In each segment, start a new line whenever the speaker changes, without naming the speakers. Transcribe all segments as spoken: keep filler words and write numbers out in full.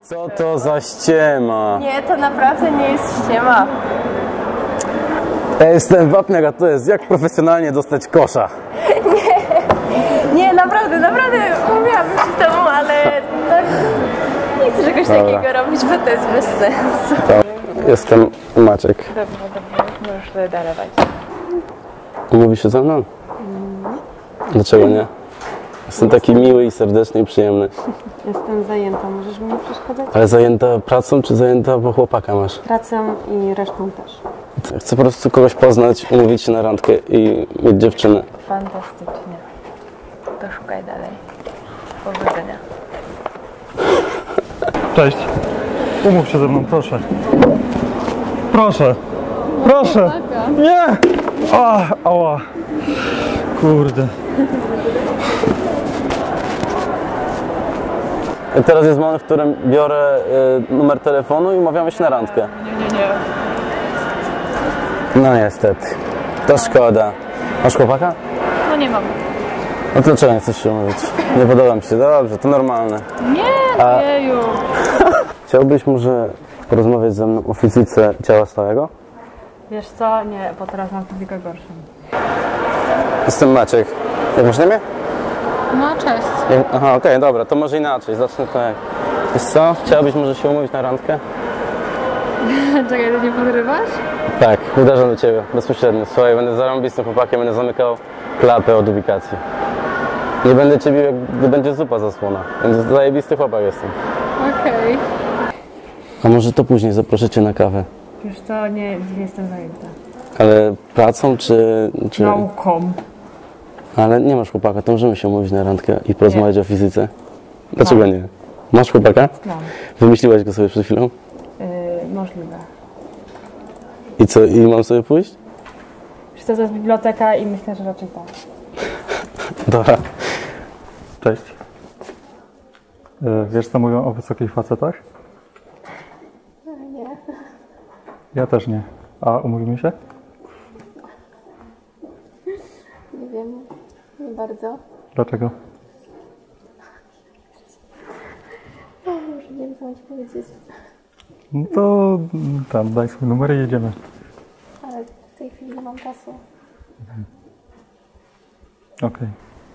Co to za ściema?
Nie, to naprawdę nie jest ściema.
Ja jestem wapniak, a to jest jak profesjonalnie dostać kosza.
Nie, nie, naprawdę, naprawdę mówiłabym się z tobą, ale to nie chcę czegoś
Dobra.
takiego robić, bo to jest bez sensu.
Jestem Maciek.
Dobrze, dobrze, możesz sobie dalewać.
Umówisz się ze mną? Dlaczego nie? Jestem taki miły i serdeczny i przyjemny.
Jestem zajęta, możesz mi nie przeszkadzać?
Ale zajęta pracą, czy zajęta, bo chłopaka masz?
Pracą i resztą też.
Chcę po prostu kogoś poznać, umówić się na randkę i mieć dziewczynę.
Fantastycznie. To szukaj dalej. Powodzenia.
Cześć. Umów się ze mną, proszę. Proszę. Proszę. Nie! A, ała. Kurde.
I teraz jest moment, w którym biorę y, numer telefonu i umawiamy się na randkę.
Nie, nie, nie.
No niestety. To szkoda. Masz chłopaka?
No nie mam.
No to dlaczego nie chcesz się umówić? Nie podoba mi się. Dobrze, to normalne.
Nie,
A-
jeju.
Chciałbyś może porozmawiać ze mną o fizyce ciała stałego?
Wiesz co? Nie, bo teraz mam fizykę gorszą.
Jestem Maciek. Jak masz na imię?
No cześć.
Jak... Aha, okej, dobra, to może inaczej. Zacznę tak. Wiesz co? Chciałabyś może się umówić na randkę?
Czekaj, ty nie podrywasz?
Tak, uderzam do ciebie, bezpośrednio. Słuchaj, będę zarąbistym chłopakiem, będę zamykał klapę od ubikacji. Nie będę ciebie, jak gdy będzie zupa zasłona. Będę zajebisty chłopak jestem.
Okej.
A może to później zaproszę cię na kawę?
Wiesz co? Nie, nie jestem zajęta.
Ale pracą czy... czy...
Nauką.
Ale nie masz chłopaka, to możemy się umówić na randkę i porozmawiać o fizyce. Dlaczego nie? Masz chłopaka?
Mam.
Wymyśliłaś go sobie przed chwilą?
Yy, możliwe.
I co, i mam sobie pójść?
Wiesz co? To jest biblioteka i myślę, że raczej tak.
Dobra.
Cześć. E, Wiesz co mówią o wysokich facetach?
Nie.
Ja też nie. A umówimy się?
Nie wiem. Nie bardzo.
Dlaczego?
Może nie wiem, co mam ci powiedzieć.
No to mm, tam, daj swój numer i jedziemy.
Ale w tej chwili nie mam czasu.
Okej.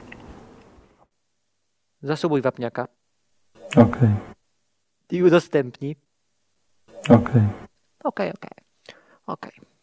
Zasubuj wapniaka
Okej.
i udostępnij.
Okej.
Okej, okej. Okej.